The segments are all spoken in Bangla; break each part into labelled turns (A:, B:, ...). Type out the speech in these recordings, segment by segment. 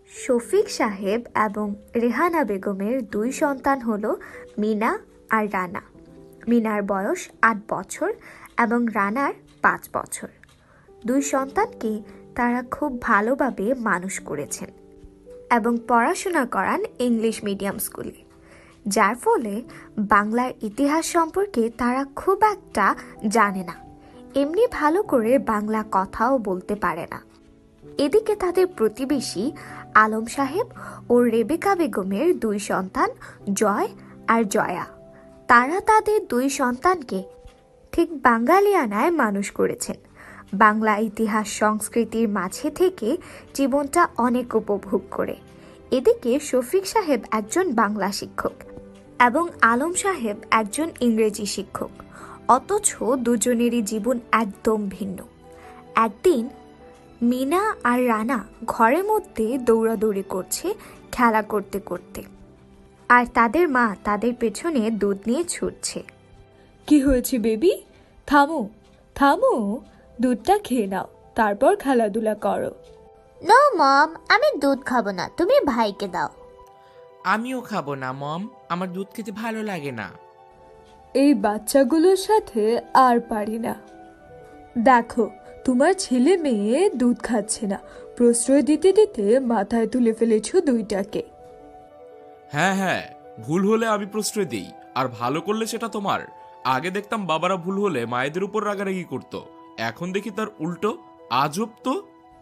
A: শফিক সাহেব এবং রেহানা বেগমের দুই সন্তান হলো মিনা আর রানা। মিনার বয়স ৮ বছর এবং রানার ৫ বছর। দুই সন্তানকে তারা খুব ভালোভাবে মানুষ করেছেন এবং পড়াশোনা করান ইংলিশ মিডিয়াম স্কুলে, যার ফলে বাংলার ইতিহাস সম্পর্কে তারা খুব একটা জানে না, এমনি ভালো করে বাংলা কথাও বলতে পারে না। এদিকে তাদের প্রতিবেশী আলম সাহেব ও রেবেকা বেগমের দুই সন্তান জয় আর জয়া, তারা তাদের দুই সন্তানকে ঠিক বাঙালিয়ানায় মানুষ করেছেন। বাংলা ইতিহাস সংস্কৃতির মাঝে থেকে জীবনটা অনেক উপভোগ করে। এদিকে শফিক সাহেব একজন বাংলা শিক্ষক এবং আলম সাহেব একজন ইংরেজি শিক্ষক, অথচ দুজনেরই জীবন একদম ভিন্ন। একদিন মিনা আর রানা ঘরের মধ্যে দৌড়াদৌড়ি করছে খেলা করতে করতে, আর তাদের মা তাদের পেছনে দুধ নিয়ে ছুটছে।
B: কি হয়েছে বেবি? থামো থামো, দুধটা খেয়ে নাও, তারপর খেলাধুলা করো।
C: নো মম, আমি দুধ খাবো না, তুমি ভাইকে দাও।
D: আমিও খাবো না মম, আমার দুধ খেতে ভালো লাগে না।
B: এই বাচ্চাগুলোর সাথে আর পারি না। দেখো, তোমার ছেলে মেয়ে দুধ খাচ্ছে না, প্রশ্রয় দিতে দিতে মাথায় তুলে ফেলেছো দুইটাকে।
E: হ্যাঁ হ্যাঁ, ভুল হলে আমি প্রশ্রয় দিই, আর ভালো করলে সেটা তোমার। আগে দেখতাম বাবারা ভুল হলে মায়েদের উপর রাগারাগি করতো, এখন দেখি তার উল্টো। আজব তো।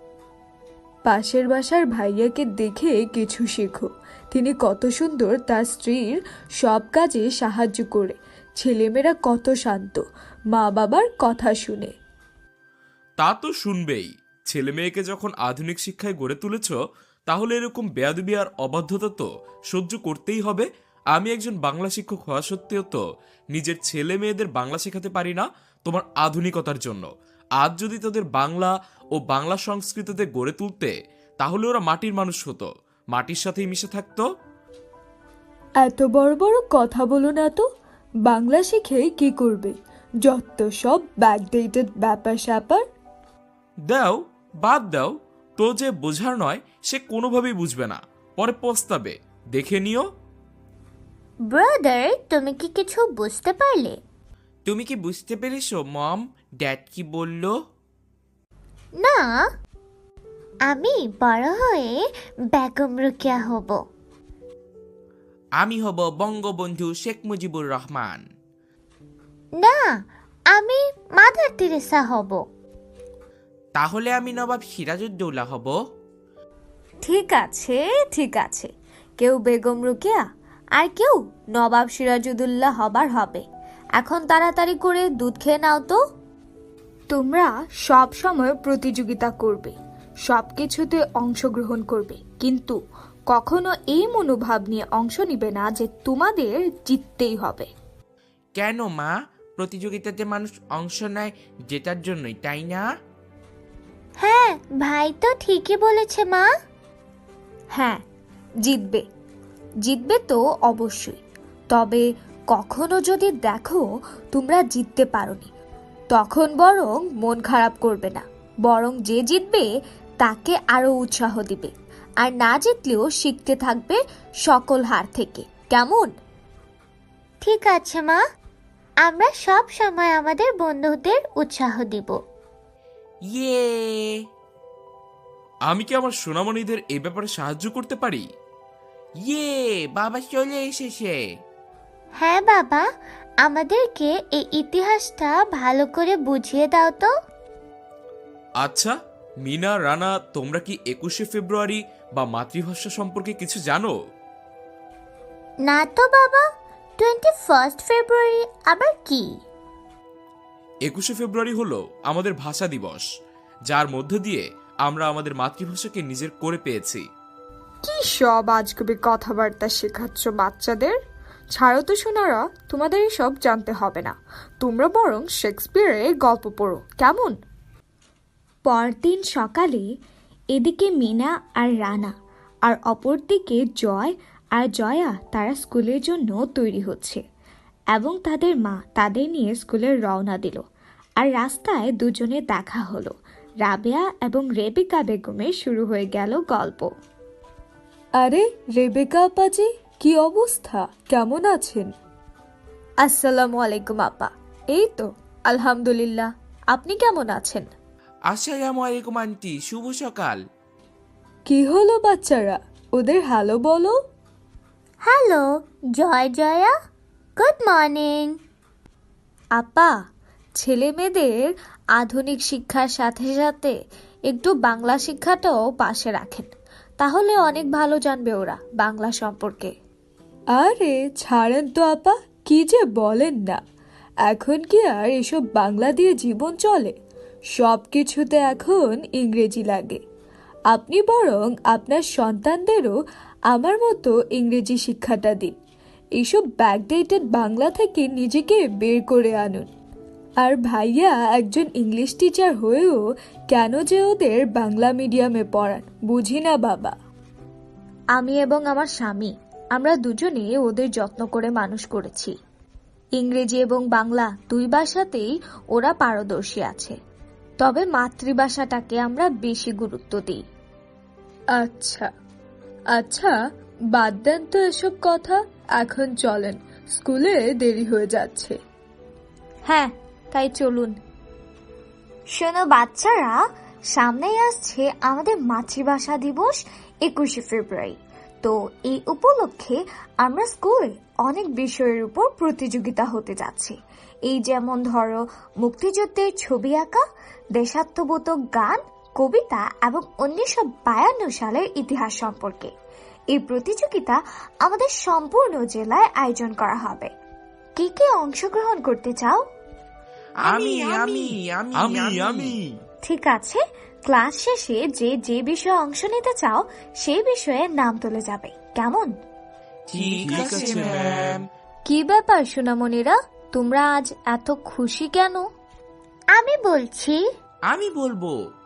B: পাশের বাসার ভাইয়াকে দেখে কিছু শেখো। তিনি কত সুন্দর তার স্ত্রীর সব কাজে সাহায্য করে। ছেলেমেয়েরা কত শান্ত, মা বাবার কথা শুনে।
E: তা তো শুনবেই। ছেলে মেয়েকে যখন আধুনিক শিক্ষায় গড়ে তুলেছ, তাহলে এরকম বেয়াদবি আর অবাধ্যতা তো সহ্য করতেই হবে। আমি একজন বাংলা শিক্ষক হওয়া সত্ত্বেও তো নিজের ছেলে মেয়েদের বাংলা শেখাতে পারি না তোমার আধুনিকতার জন্য। আজ যদি তাদের বাংলা ও বাংলা সংস্কৃতিতে গড়ে তুলতে, তাহলে ওরা মাটির মানুষ হতো, মাটির সাথেই মিশে থাকতো।
B: এত বড় বড় কথা বলো না তো। বাংলা শিখে কি করবে? যত সব ব্যাকডেটেড ব্যাপার স্যাপার।
E: দাও, বাদ দাও। তো যে বোঝার নয় সে কোনোভাবেই বুঝবে না, পরে পস্তাবে, দেখে নিও।
C: ব্রাদার, তুমি কি কিছু বুঝতে পারলে?
D: তুমি কি বুঝতে পেরেছো মম, ড্যাড কি বলল?
C: না, আমি বড় হয়ে বেগম রোকেয়া হব।
D: আমি হব বঙ্গবন্ধু শেখ মুজিবুর রহমান।
C: না, আমি মাদার তেরেসা হব।
D: তাহলে আমি নবাব সিরাজউদ্দৌলা হব।
A: ঠিক আছে ঠিক আছে, কেউ বেগম রোকেয়া আর কেউ নবাব সিরাজউদ্দৌলা হবার হবে। এখন তাড়াতাড়ি করে দুধ খেয়ে নাও তো। তোমরা সব সময় প্রতিযোগিতা করবে, সব কিছুতে অংশগ্রহণ করবে, কিন্তু কখনো এই মনোভাব নিয়ে অংশ নিবে না যে তোমাদের জিততেই হবে।
D: কেন মা? প্রতিযোগিতাতে মানুষ অংশ নেয় জেতার জন্যই, তাই না?
C: হ্যাঁ, ভাই তো ঠিকই বলেছে মা।
A: হ্যাঁ, জিতবে, জিতবে তো অবশ্যই। তবে কখনো যদি দেখো তোমরা জিততে পারোনি, তখন বরং মন খারাপ করবে না, বরং যে জিতবে তাকে আরো উৎসাহ দিবে, আর না জিতলেও শিখতে থাকবে সকল হার থেকে। কেমন?
C: ঠিক আছে মা, আমরা সব সময় আমাদের বন্ধুদের উৎসাহ দিব।
D: ইয়ে!
E: আমি কি আমার সোনামণিদের এই ব্যাপারে সাহায্য করতে পারি?
D: ইয়ে! বাবা চলে এসেছে।
C: হ্যাঁ বাবা, আমাদেরকে এই ইতিহাসটা ভালো করে বুঝিয়ে দাও তো।
E: আচ্ছা মিনা, রানা, তোমরা কি 21শে ফেব্রুয়ারি বা মাতৃভাষা সম্পর্কে কিছু জানো?
C: না তো বাবা, 21 ফেব্রুয়ারি আবার কি?
E: 21শে ফেব্রুয়ারি হলো আমাদের ভাষা দিবস, যার মধ্য দিয়ে আমরা আমাদের মাতৃভাষাকে নিজের করে পেয়েছি।
F: কি সব আজগুবি কথাবার্তা শেখাচ্ছ বাচ্চাদের? ছাড়ো তো সোনারা, তোমাদের এসব জানতে হবে না। তোমরা বরং শেক্সপিয়ারের গল্প পড়ো, কেমন?
A: পরদিন সকালে এদিকে মিনা আর রানা আর অপরদিকে জয় আর জয়া তারা স্কুলের জন্য তৈরি হচ্ছে এবং তাদের মা তাদের নিয়ে স্কুলে রওনা দিল। আর রাস্তায় দুজনে দেখা হলো। রাবেয়া এবং রেবেকা বেগমের শুরু হয়ে গেল গল্প।
B: আরে রেবেকা আপাজি, কি অবস্থা, কেমন আছেন?
A: আসসালামু আলাইকুম আপা। এই তো আলহামদুলিল্লাহ, আপনি কেমন আছেন?
D: আসসালামু আলাইকুম আন্টি, শুভ সকাল।
B: কি হলো বাচ্চারা, ওদের হ্যালো বলো।
C: Hello Joy Joya, good morning.
A: আপা, ছেলে মেয়েদের আধুনিক শিক্ষার সাথে সাথে একটু বাংলা শিক্ষাটাও পাশে রাখেন, তাহলে অনেক ভালো জানবে ওরা বাংলা সম্পর্কে।
B: আরে ছাড়েন তো আপা, কি যে বলেন না। এখন কি আর এসব বাংলা দিয়ে জীবন চলে? সব কিছুতে এখন ইংরেজি লাগে। আপনি বরং আপনার সন্তানদেরও আমার মতো ইংরেজি শিক্ষাটা দিন। এইসব ব্যাকডেটেড বাংলা থেকে নিজেকে বের করে আনুন। আর ভাইয়া একজন ইংলিশ টিচার হয়েও কেন যে ওদের বাংলা মিডিয়ামে পড়ান বুঝি না বাবা।
A: আমি এবং আমার স্বামী, আমরা দুজনে ওদের যত্ন করে মানুষ করেছি। ইংরেজি এবং বাংলা দুই ভাষাতেই ওরা পারদর্শী আছে, তবে মাতৃভাষাটাকে আমরা বেশি গুরুত্ব দিই।
B: আচ্ছা আচ্ছা, বাদ দেন তো এসব কথা, এখন চলেন, স্কুলে দেরি হয়ে যাচ্ছে।
A: হ্যাঁ, তাই চলুন। শোনো বাচ্চারা, সামনেই আসছে আমাদের মাতৃভাষা দিবস 21শে ফেব্রুয়ারি। তো এই উপলক্ষে আমরা স্কুলে অনেক বিষয়ের উপর প্রতিযোগিতা হতে যাচ্ছে। এই যেমন ধরো মুক্তিযুদ্ধের ছবি আঁকা, দেশাত্মবোধক গান, কবিতা এবং 1952 সালের ইতিহাস সম্পর্কে। এই প্রতিযোগিতা আমাদের সম্পূর্ণ jelaয় আয়োজন করা হবে। কে কে অংশগ্রহণ করতে চাও?
D: আমি আমি আমি আমি
A: ঠিক আছে, ক্লাস শেষে যে যে বিষয়ে অংশ নিতে চাও সেই বিষয়ে নাম তুলে যাবে, কেমন?
D: ঠিক আছে ম্যাম।
A: কি ব্যাপার সোনামণিরা, তোমরা আজ এত খুশি কেন?
C: আমি বলছি।
D: আমি বলবো।